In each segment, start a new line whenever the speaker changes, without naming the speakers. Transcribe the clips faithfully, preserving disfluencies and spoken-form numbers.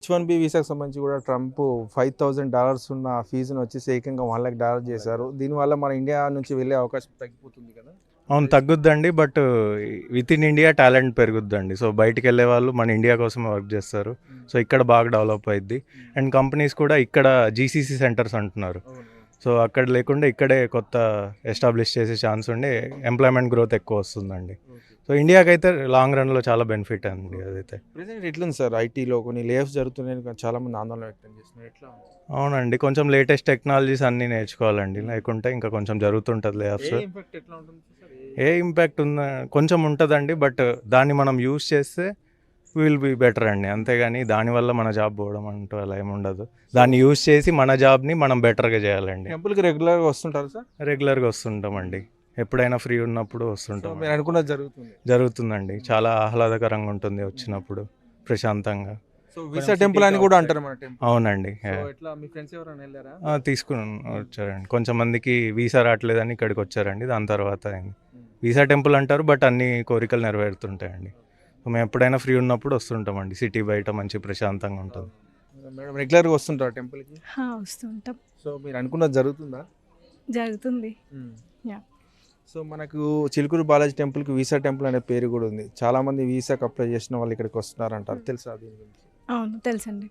One B వీసాకి సంబంధించి కూడా Trump five thousand dollars ఉన్న ఫీజును వచ్చేసి ఏకంగా వన్ లాక్ డాలర్ చేశారు. దీనివల్ల మన ఇండియా నుంచి వెళ్ళే అవకాశం తగ్గిపోతుంది కదా.
అవును తగ్గుద్దండి. But within India talent పెరుగుద్దండి. సో బయటికి వెళ్ళే వాళ్ళు మన ఇండియా కోసం వర్క్ చేస్తారు. సో ఇక్కడ బాగా డెవలప్ అయింది. అండ్ కంపెనీస్ కూడా ఇక్కడ జీసీసీ సెంటర్స్ అంటున్నారు. సో అక్కడ లేకుండా ఇక్కడే కొత్త ఎస్టాబ్లిష్ చేసే ఛాన్స్ ఉండి ఎంప్లాయ్మెంట్ గ్రోత్ ఎక్కువ వస్తుందండి. సో ఇండియాకైతే లాంగ్ రన్లో చాలా బెనిఫిట్ అండి అదైతే.
ప్రెసెంట్ ఎట్లుంది సార్ ఐటీలో కొన్ని లేఆఫ్స్ జరుగుతున్నాయని చాలా మంది ఆందోళన వ్యక్తం చేస్తున్నారు. ఎట్లా ఉంది?
అవునండి, కొంచెం లేటెస్ట్ టెక్నాలజీస్ అన్నీ నేర్చుకోవాలండి, లేకుంటే ఇంకా కొంచెం జరుగుతుంటుంది లేఆఫ్స్.
ఏ ఇంపాక్ట్ ఎట్లా ఉంటుంది సార్?
ఏ ఇంపాక్ట్ ఉందా కొంచెం ఉంటుందండి, బట్ దాన్ని మనం యూస్ చేస్తే విల్ బీ బెటర్ అండి. అంతేగాని దానివల్ల మన జాబ్ పోవడం అంటూ అలా ఏమి ఉండదు. దాన్ని యూస్ చేసి మన జాబ్ని మనం బెటర్గా చేయాలండి.
టెంపుల్కి రెగ్యులర్గా వస్తుంటారు సార్?
రెగ్యులర్గా వస్తుంటామండి, ఎప్పుడైనా ఫ్రీ ఉన్నప్పుడు వస్తుంటాం.
మీరు అనుకున్నది జరుగుతుంది?
జరుగుతుందండి, చాలా ఆహ్లాదకరంగా ఉంటుంది వచ్చినప్పుడు ప్రశాంతంగా.
సో వీసా టెంపుల్ అని కూడా అంటారు మన టెంపుల్.
అవునండి,
ఎట్లా మీ ఫ్రెండ్స్ ఎవరైనా వెళ్ళారా?
తీసుకుని వచ్చారండి. కొంచెం మందికి వీసా రావట్లేదని ఇక్కడికి వచ్చారండి. దాని తర్వాత వీసా టెంపుల్ అంటారు, బట్ అన్ని కోరికలు నెరవేరుతుంటాయండి. మేము ఎప్పుడైనా ఫ్రీ ఉన్నప్పుడు వస్తుంటామండి. సిటీ బయట మంచి ప్రశాంతంగా ఉంటుంది.
మేడం రెగ్యులర్గా వస్తుంటారా టెంపుల్కి?
వస్తుంటాం.
సో మీరు అనుకున్నది జరుగుతుందా?
జరుగుతుంది. యా.
సో మనకు చిలుకూరు బాలాజీ టెంపుల్కి వీసా టెంపుల్ అనే పేరు కూడా ఉంది. చాలా మంది వీసాకి అప్లై చేసిన వాళ్ళు ఇక్కడికి వస్తున్నారు అంటారు, తెలుసా దీని గురించి?
అవును తెలుసండి.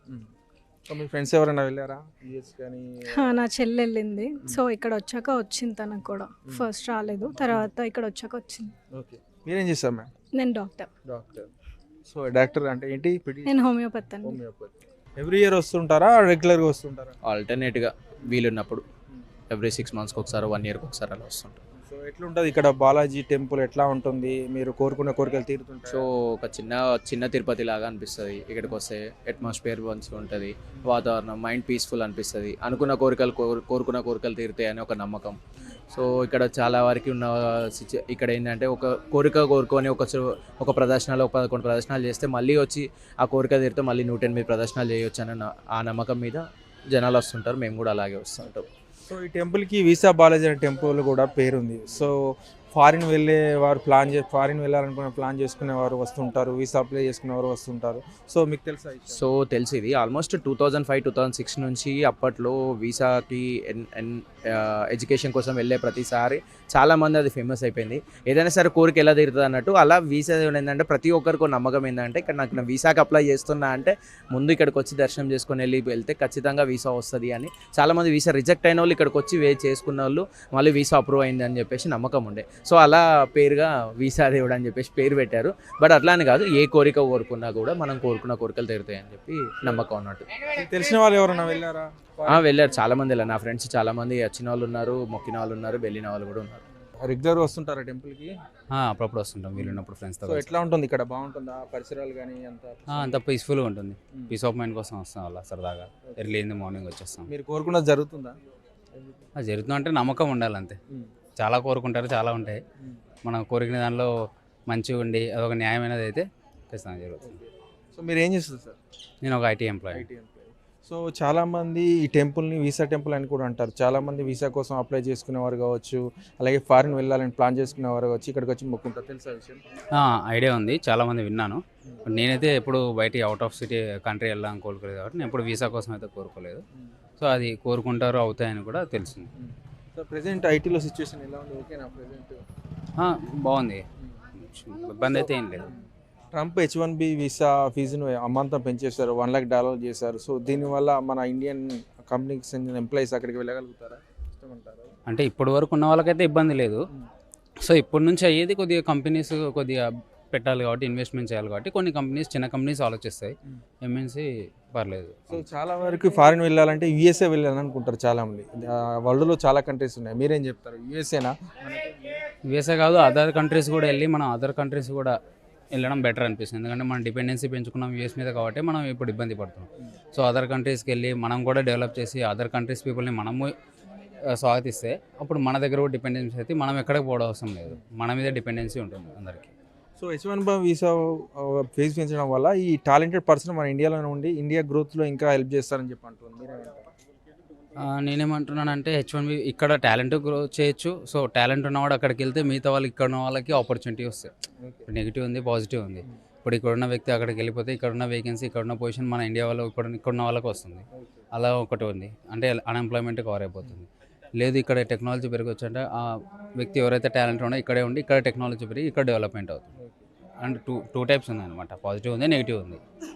సో మీ ఫ్రెండ్స్ ఎవరైనా వెళ్ళారా యూఎస్ కానీ?
నా చెల్లి వెళ్ళింది. సో ఇక్కడ వచ్చాక వచ్చింది తనకు కూడా. ఫస్ట్ రాలేదు, తర్వాత ఇక్కడ వచ్చాక వచ్చింది.
ఓకే, మీరేం చేస్తారు మ్యామ్?
నేను డాక్టర్.
డాక్టర్. సో డాక్టర్ అంటే ఏంటి?
నేను హోమియోపతి అండి.
హోమియోపతి. ఎవ్రీ ఇయర్ వస్తుంటారా, రెగ్యులర్గా వస్తుంటారా?
ఆల్టర్నేట్గా వీలున్నప్పుడు ఎవ్రీ సిక్స్ మంత్స్కి ఒకసారి, వన్ ఇయర్కి ఒకసారి అలా వస్తుంటాం.
సో ఎట్లుంటుంది ఇక్కడ బాలాజీ టెంపుల్? ఎట్లా ఉంటుంది? మీరు కోరుకున్న కోరికలు తీరుతుంటాయి?
సో ఒక చిన్న చిన్న తిరుపతి లాగా అనిపిస్తుంది. ఇక్కడికి వస్తే అట్మాస్ఫియర్ మంచిగా ఉంటుంది, వాతావరణం మైండ్ పీస్ఫుల్ అనిపిస్తుంది. అనుకున్న కోరికలు కోరు కోరుకున్న కోరికలు తీరుతాయి అని ఒక నమ్మకం. సో ఇక్కడ చాలా వరకు ఉన్న సిచ్యు ఇక్కడ ఏంటంటే ఒక కోరిక కోరుకొని ఒక ఒక ప్రదర్శనలో ఒక పదకొండు ప్రదర్శనలు చేస్తే మళ్ళీ వచ్చి ఆ కోరిక తీరితే మళ్ళీ నూట ఎనిమిది ప్రదర్శనలు చేయొచ్చు అని ఆ నమ్మకం మీద జనాలు వస్తుంటారు. మేము కూడా అలాగే వస్తుంటాం.
సో ఈ టెంపుల్కి వీసా బాలాజీ అనే టెంపుల్ కూడా పేరుంది. సో ఫారిన్ వెళ్ళే వారు ప్లాన్ చే ఫారిన్ వెళ్ళాలనుకునే ప్లాన్ చేసుకునే వారు వస్తుంటారు, వీసా అప్లై చేసుకునే వారు వస్తుంటారు. సో మీకు తెలుసా?
సో తెలిసి ఇది almost two thousand five two thousand six నుంచి అప్పట్లో వీసాకి ఎన్ ఎన్ ఎడ్యుకేషన్ కోసం వెళ్ళే ప్రతిసారి చాలామంది అది ఫేమస్ అయిపోయింది. ఏదైనా సరే కోరిక ఎలా తీరుతుంది అన్నట్టు అలా వీసా ఏంటంటే ప్రతి ఒక్కరికి నమ్మకం ఏంటంటే ఇక్కడ నాకు నా వీసాకి అప్లై చేస్తున్నా అంటే ముందు ఇక్కడికి వచ్చి దర్శనం చేసుకొని వెళ్ళి వెళ్తే ఖచ్చితంగా వీసా వస్తుంది అని. చాలామంది వీసా రిజెక్ట్ అయిన వాళ్ళు ఇక్కడికి వచ్చి వే చేసుకున్న వాళ్ళు మళ్ళీ వీసా అప్రూవ్ అయింది అని చెప్పేసి నమ్మకం ఉండే. సో అలా పేరుగా వీసా దేవుడు అని చెప్పేసి పేరు పెట్టారు. బట్ అట్లా అని కాదు, ఏ కోరిక కోరుకున్నా కూడా మనం కోరుకున్న కోరికలు తీరుతాయి అని చెప్పి నమ్మకం అన్నట్టు.
తెలిసిన వాళ్ళు ఎవరైనా వెళ్ళారా?
వెళ్ళారు, చాలా మంది వెళ్ళారు. నా ఫ్రెండ్స్ చాలా మంది వచ్చిన వాళ్ళు ఉన్నారు, మొక్కిన వాళ్ళు ఉన్నారు, వెళ్ళిన వాళ్ళు కూడా ఉన్నారు.
రెగ్యులర్ వస్తుంటారా టెంపుల్కి?
అప్పుడప్పుడు వస్తుంటాం వీలున్నప్పుడు ఫ్రెండ్స్తో.
సో ఎట్లా ఉంటుంది ఇక్కడ? బాగుంటుందా పరిసరాలు కానీ? అంత
అంత పీస్ఫుల్గా ఉంటుంది. పీస్ ఆఫ్ మైండ్ కోసం వస్తాం అలా సరదాగా. ఎర్లీ ఇన్ ది మార్నింగ్ వచ్చేస్తాం.
మీరు కోరుకున్నది జరుగుతుందా?
జరుగుతుంది అంటే నమ్మకం ఉండాలి అంతే. చాలా కోరుకుంటారు, చాలా ఉంటాయి. మనం కోరికిన దానిలో మంచిగా ఉండి అదొక న్యాయమైనది అయితే ఖచ్చితంగా జరుగుతుంది.
సో మీరు ఏం చేస్తారు సార్?
నేను ఒక IT employee.
IT employee. So చాలామంది ఈ టెంపుల్ని వీసా టెంపుల్ అని కూడా అంటారు. చాలామంది వీసా కోసం అప్లై చేసుకునేవారు కావచ్చు, అలాగే ఫారిన్ వెళ్ళాలని ప్లాన్ చేసుకునేవారు కావచ్చు, ఇక్కడికి వచ్చి మొక్కుంటారు. తెలుసా విషయం?
ఐడియా ఉంది, చాలామంది విన్నాను. నేనైతే ఎప్పుడు బయట అవుట్ ఆఫ్ సిటీ కంట్రీ వెళ్ళాలని కోరుకోలేదు కాబట్టి నేను ఎప్పుడు వీసా కోసం అయితే కోరుకోలేదు. సో అది కోరుకుంటారు, అవుతాయని కూడా తెలిసింది.
సో ప్రెసెంట్ ఐటీలో సిచ్యువేషన్ ఎలా ఉంది? ఓకేనా ప్రెసెంట్?
బాగుంది, ఇబ్బంది అయితే ఏం లేదు.
Trump H one B visa ఫీజును అమాంతం పెంచేశారు, వన్ లాక్ డాలర్ చేశారు. సో దీనివల్ల మన ఇండియన్ కంపెనీకి చెందిన ఎంప్లాయీస్ అక్కడికి వెళ్ళగలుగుతారా? ఇష్టమంటారా?
అంటే ఇప్పటి వరకు ఉన్న వాళ్ళకైతే ఇబ్బంది లేదు. సో ఇప్పటి నుంచి అయ్యేది కొద్దిగా కంపెనీస్ కొద్దిగా పెట్టాలి కాబట్టి, ఇన్వెస్ట్మెంట్ చేయాలి కాబట్టి కొన్ని కంపెనీస్, చిన్న కంపెనీస్ ఆలోచిస్తాయి. ఎంఎన్సీ పర్లేదు.
సో చాలా వరకు ఫారిన్ వెళ్ళాలంటే యూఎస్ఏ వెళ్ళాలని అనుకుంటారు చాలామంది. వరల్డ్లో చాలా కంట్రీస్ ఉన్నాయి, మీరేం చెప్తారు? యూఎస్ఏనా?
యూఎస్ఏ కాదు, అదర్ కంట్రీస్ కూడా వెళ్ళి మనం అదర్ కంట్రీస్ కూడా వెళ్ళడం బెటర్ అనిపిస్తుంది. ఎందుకంటే మనం డిపెండెన్సీ పెంచుకున్నాం యూఎస్ మీద కాబట్టి మనం ఇప్పుడు ఇబ్బంది పడుతున్నాం. సో అదర్ కంట్రీస్కి వెళ్ళి మనం కూడా డెవలప్ చేసి అదర్ కంట్రీస్ పీపుల్ని మనము స్వాగతిస్తే అప్పుడు మన దగ్గర కూడా డిపెండెన్సీ అయితే మనం ఎక్కడికి పోవడం అవసరం లేదు, మన మీద డిపెండెన్సీ ఉంటుంది అందరికీ.
So H one B visa fees పెంచడం వల్ల ఈ టాలెంటెడ్ పర్సన్ మన ఇండియాలో ఉండి ఇండియా గ్రోత్లో ఇంకా హెల్ప్ చేస్తారని చెప్పి అంటున్నారు. మీరేమంటారు?
నేనేమంటున్నానంటే హెచ్ వన్ బి ఇక్కడ టాలెంట్ గ్రో చేయొచ్చు. సో టాలెంట్ ఉన్నవాడు అక్కడికి వెళ్తే మిగతా వాళ్ళు ఇక్కడ ఉన్న వాళ్ళకి ఆపర్చునిటీ వస్తాయి. నెగిటివ్ ఉంది, పాజిటివ్ ఉంది. ఇప్పుడు ఇక్కడ ఉన్న వ్యక్తి అక్కడికి వెళ్ళిపోతే ఇక్కడ ఉన్న వేకెన్సీ ఇక్కడ ఉన్న పొజిషన్ మన ఇండియా వాళ్ళు ఇక్కడ ఇక్కడ ఉన్న వాళ్ళకి వస్తుంది. అలా ఒకటి ఉంది, అంటే అన్ఎంప్లాయ్మెంట్ కవర్ అయిపోతుంది. లేదు ఇక్కడ టెక్నాలజీ పెరగచ్చు అంటే ఆ వ్యక్తి ఎవరైతే టాలెంట్ ఉండో ఇక్కడే ఉండి ఇక్కడ టెక్నాలజీ పెరిగి ఇక్కడ డెవలప్మెంట్ అవుతుంది. అండ్ టూ టూ టైప్స్ ఉన్నాయి అనమాట, పాజిటివ్ ఉంది, నెగిటివ్ ఉంది.